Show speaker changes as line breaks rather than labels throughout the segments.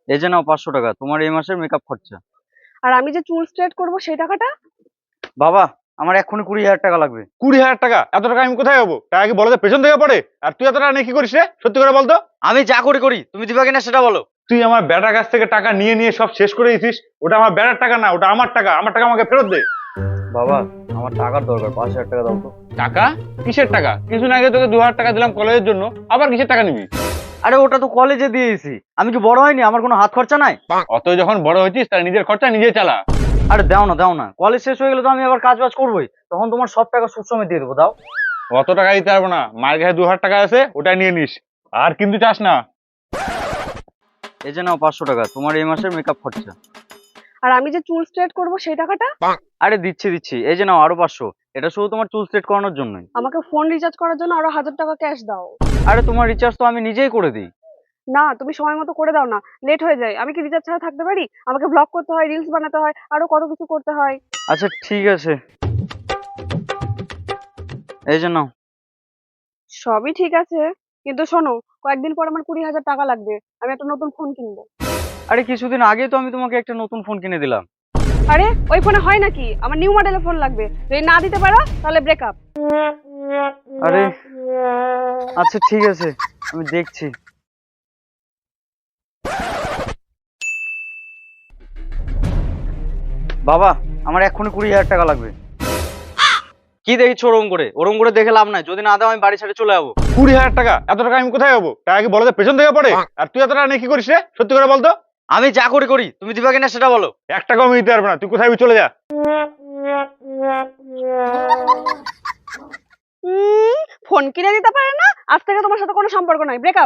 এই যে নাও 500 টাকা, তোমার এই মাসের মেকআপ খরচা।
আর আমি যে চুল স্ট্রেট করব সেই টাকাটা?
বাবা, আমার এক্ষুনি 20,000 টাকা লাগবে।
20,000 টাকা? এত টাকা আমি কোথায় পাবো? টাকা কি বলো যে পেছন থেকে পড়ে? আর তুই এত টাকা নিয়ে কি করিস রে? সত্যি করে বলতো।
আমি যা করি করি, তুমি দিবা কিনা সেটা বলো।
তুই আমার বেটার কাছ থেকে টাকা নিয়ে নিয়ে সব শেষ করে দিছিস। ওটা আমার বেটার টাকা না, ওটা আমার টাকা। আমার টাকা আমাকে ফেরত দে।
বাবা, আমার টাকার দরকার, 5,000 টাকা দাও তো।
টাকা? কিসের টাকা? কিছুদিন আগে তোকে 2,000 টাকা দিলাম কলেজের জন্য, আবার কিসের টাকা নিবি?
আরে ওটা তো কলেজে দিয়েছি, আমি কি বড় হয়নি? আমার কোনো হাত খরচা নাই?
অত যখন বড় হয়েছিস তার নিজের খরচা নিজে চালা।
আরে দাও না দাও না, কলেজ শেষ হয়ে গেলে তো আমি আবার কাজ বাজ করবোই, তখন তোমার সব টাকা সুসমে দিয়ে দেবো, দাও।
অত টাকা দিতে পারবো না। মায়ের কাছে 2,000 টাকা আছে, ওটা নিয়ে নিস। আর কিন্তু চাস না।
এই যে নাও 500 টাকা, তোমার এই মাসের মেকআপ খরচা।
আর আমি যে চুল স্ট্রেট করব সেই টাকাটা?
আরে দিচ্ছি দিচ্ছি, এই যে নাও আরো 500, এটা শুধু তোমার চুল সেট করানোর জন্যই।
আমাকে ফোন রিচার্জ করার জন্য আরো 1000 টাকা ক্যাশ দাও।
আরে তোমার রিচার্জ তো আমি নিজেই করে দিই।
না, তুমি সময় মতো করে দাও না, লেট হয়ে যায়। আমি কি রিচার্জ ছাড়া থাকতে পারি? আমাকে ব্লগ করতে হয়, রিলস বানাতে হয়, আরো কত কিছু করতে হয়।
আচ্ছা ঠিক আছে, এই যে নাও।
সবই ঠিক আছে, কিন্তু শোনো, কয়েকদিন পর আমার 20,000 টাকা লাগবে। আমি একটা নতুন ফোন কিনবো।
আরে কিছুদিন আগে তো আমি তোমাকে একটা নতুন ফোন কিনে দিলাম।
আরে ওই ফোনে হয় নাকি? আমার নিউ মডেলের ফোন লাগবে। যদি না দিতে পারো তাহলে ব্রেকআপ।
আরে আচ্ছা ঠিক আছে, আমি দেখছি। বাবা, আমার এক্ষুনি 20,000 টাকা লাগবে। কি দেখছো ওরম করে? ওরম করে দেখে লাভ নাই, যদি না দাও আমি বাড়ি ছেড়ে চলে যাবো।
20,000 টাকা? এত টাকা আমি কোথায় পাবো? টাকা কি বলো যে পেছন থেকে পড়ে? আর তুই এত টাকা নিয়ে কি করিস রে? সত্যি করে বলতো।
আমি যা করি করি, তুমি দিবা কিনা সেটা বলো।
1 টাকাও আমি দিতে পারবো না। তুই কোথায় চলে যা।
ফোন কিনে দিতে পারে না? আজ থেকে তোমার সাথে কোনো সম্পর্ক নাই, ব্রেকআপ।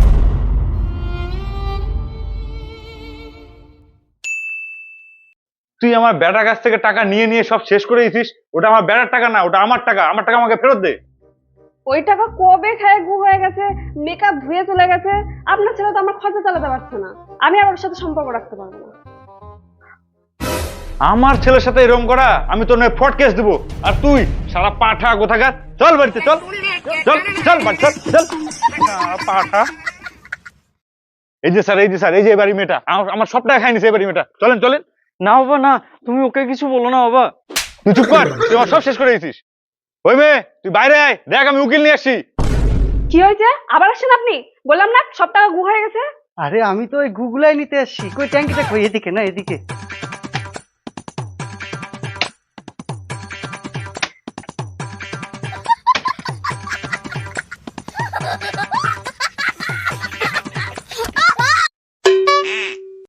তুই আমার বেটার কাছ থেকে টাকা নিয়ে নিয়ে সব শেষ করে দিছিস। ওটা আমার বেটার টাকা না, ওটা আমার টাকা। আমার টাকা আমাকে ফেরত দে।
ওই টাকা কবে খায় গু হয়ে গেছে, মেকআপ ধুয়ে চলে গেছে। আপনার ছেলে তো আমার খরচা চালাতে পারছে না, আমি আর ওর সাথে সম্পর্ক রাখতে পারবো না।
আমার ছেলের সাথে এরকম করা? আমি তোর নামে ফ্রড কেস দেবো। আর তুই সারা পাঠা কোথাকার, চল বাড়িতে চল। চল চল বাড়ি চল চল। সারা পাঠা। এই যে স্যার, এই যে স্যার, এই যে এই বাড়ি মেয়েটা আমার সব টাকা খাই নিছে। এই বাড়ি মেয়েটা, চলেন চলেন।
না বাবা না, তুমি ওকে কিছু বলো না বাবা।
তুই চুপ কর, তুই আমার সব শেষ করে দিছিস। ওই মেয়ে, তুই বাইরে আয়, দেখ আমি উকিল নিয়ে আসছি।
কি হয়েছে? আবার আসছেন আপনি? বললাম না সব টাকা গু হয়ে গেছে।
আরে আমি তো ওই গুগলাই নিতে আসছি, কই ট্যাঙ্কিটা কই? এদিকে না এদিকে।